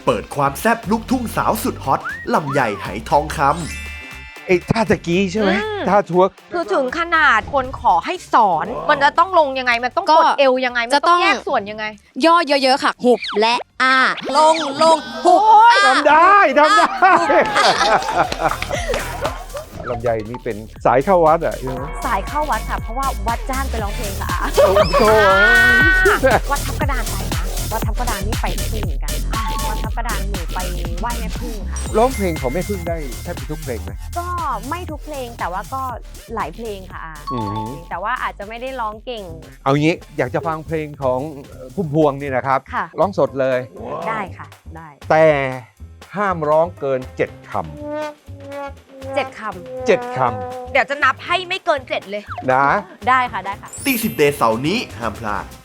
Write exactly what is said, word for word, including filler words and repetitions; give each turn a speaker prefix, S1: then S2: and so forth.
S1: เปิดความแซ่บลูกทุ่งสาวสุดฮอตลำไยไหทองคำ
S2: ไอ้ท่าตะกี้ใช่ไหม
S3: อืม
S2: ท่าทวก
S3: คือถึงขนาดคนขอให้สอน มันจะต้องลงยังไง มันต้อง
S4: ก็
S3: กดเอวยังไง มัน
S4: จะต้
S3: ต้อ
S4: อง ง
S3: แยกส่วนยังไง
S4: ย่อเยอะๆค่ะ หุบและอ้าลงลงหุบอ้า
S2: ทำได้ทำได้ลำไยนี่เป็นสายเข้าวัดอ่ะใช่ไหม
S3: สายเข้าวัดค่ะ เพราะว่าวัดจ้างไปร้องเพลงค่ะ
S2: โอ้โห
S3: วัดทับกระดานไปนะ วัดทับกระดานนี่ไปพึ่งเหมือนกันค่ะวัดทับกระดานหนูไปไหว้แม่พึ่งค่ะ
S2: ร้องเพลงของแม่พึ่งได้แทบทุกเพลงไหม
S3: ก็ไม่ทุกเพลงแต่ว่าก็หลายเพลงค่ะอา
S2: อืม
S3: หลายเพลงแต่ว่าอาจจะไม่ได้ร้องเก่ง
S2: เอางี้อยากจะฟังเพลงของพุ่มพวงนี่นะครับ
S3: ค่ะ
S2: ร้องสดเลย
S3: ได้ค่ะ ได้
S2: แต่ห้ามร้องเกินเจ็ดค
S3: เจ็ดค
S2: ำเจ็ดค
S3: ำเดี๋ยวจะนับให้ไม่เกินเจ็ดเลย
S2: ำนะ
S3: ได้ค่ะได้ค่ะ
S1: ตีสิบเดย์เสาร์นี้ห้ามพลาด